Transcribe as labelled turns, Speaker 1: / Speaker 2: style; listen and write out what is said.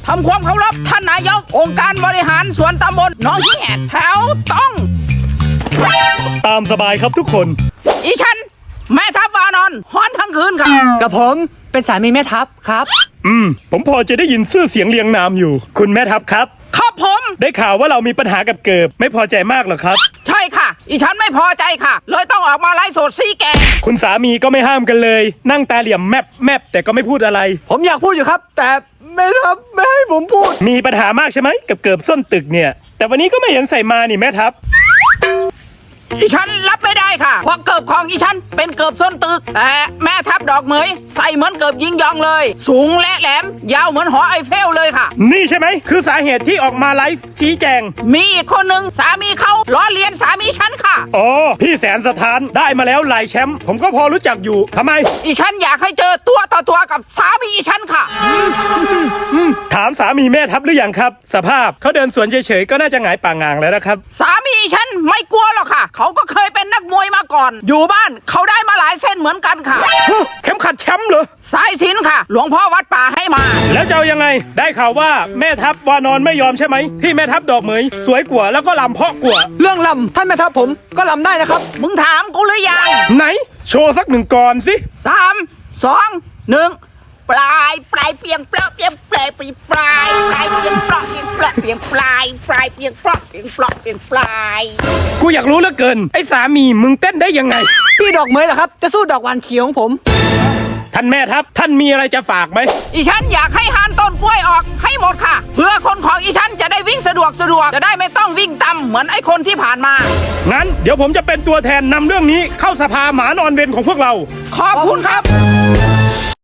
Speaker 1: ทำความเคารพท่านนายกองค์การบริหารส่วนตำบลหนองเหี้ยแถวต้อง
Speaker 2: ตามสบายครับทุกคน
Speaker 1: อีฉันแม่ทัพวานอนฮ้อนทั้งคืนค่ะ
Speaker 3: กับผมเป็นสามีแม่ทัพครับ
Speaker 2: ผมพอจะได้ยินชื่อเสียงเรียงนามอยู่คุณแม่ทัพครับ
Speaker 1: ครับผม
Speaker 2: ได้ข่าวว่าเรามีปัญหากับเกิบไม่พอใจมากหรอครับ
Speaker 1: ใช่ค่ะอีฉันไม่พอใจค่ะเลยต้องออกมาไล่สดซีแก
Speaker 2: คุณสามีก็ไม่ห้ามกันเลยนั่งตาเหลี่ยมแมบแต่ก็ไม่พูดอะไร
Speaker 3: ผมอยากพูดอยู่ครับแต่แม่ทัพไม่ให้ผมพูด
Speaker 2: มีปัญหามากใช่ไหมกับเกิบส้นตึกเนี่ยแต่วันนี้ก็ไม่เห็นใส่มานี่แม่ทัพ
Speaker 1: อีฉันรับไม่ได้ค่ะเพราะเกิบของอีฉันเป็นเกิบส้นตึกแต่แม่ทัพดอกเหมยใส่เหมือนเกิบยิงยองเลยสูงและแหลมยาวเหมือนหอไอเฟลเลยค่ะ
Speaker 2: นี่ใช่ไหมคือสาเหตุที่ออกมาไลฟ์ชี้แจง
Speaker 1: มีอีกคนหนึ่งสามีเขาล้อเลียนสามีฉันค่ะ
Speaker 2: อ๋อพี่แสนสถานได้มาแล้วหลายแชมป์ผมก็พอรู้จักอยู่ทำไม
Speaker 1: อีฉันอยากให้เจอตัวต่อตัวกับสามีอีฉันค่ะ
Speaker 2: ถามสามีแม่ทัพหรือยังครับสภาพเขาเดินสวนเฉยๆก็น่าจะหงายป่างางแล้วนะครับ
Speaker 1: สามีฉันไม่กลัวหรอกค่ะเขาก็เคยเป็นนักมวยมาก่อนอยู่บ้านเขาได้มาหลายเส้นเหมือนกันค่ะ
Speaker 2: เข็มขัดแชมป์เหรอ
Speaker 1: สายสิญจน์ค่ะหลวงพ่อวัดป่าให้มา
Speaker 2: แล้วจะเอายังไงได้ข่าวว่าแม่ทัพวานอนไม่ยอมใช่ไหมที่แม่ทัพดอกเหมยสวยกว่าแล้วก็ลำเพาะกว่า
Speaker 3: เรื่องลำท่านแม่ทัพผมก็ลำได้นะครับ
Speaker 1: มึงถามกูหรือยัง
Speaker 2: ไหนโชว์สักหนึ่งก่อนสิ
Speaker 1: 3 2 1ปลายเปียงเปลาะเปียงเปลายเปียงปลายเปียงเปลาะเปียงเปลาะเปียงปลายเปียงเปลาะเปียงเปลาะเปียงปลาย
Speaker 2: กูอยากรู้เหลือเกินไอ้สามีมึงเต้นได้ยังไง
Speaker 3: พี่ดอกเหมยเหรอครับจะสู้ดอกหวานเขียวของผม
Speaker 2: ท่านแม่ทัพท่านมีอะไรจะฝากไหม
Speaker 1: อีฉันอยากให้หานต้นกล้วยออกให้หมดค่ะเพื่อคนของอีฉันจะได้วิ่งสะดวกจะได้ไม่ต้องวิ่งต่ำเหมือนไอ้คนที่ผ่านมา
Speaker 2: งั้นเดี๋ยวผมจะเป็นตัวแทนนำเรื่องนี้เข้าสภาหมานอนเวรของพวกเรา
Speaker 1: ขอบคุณครับ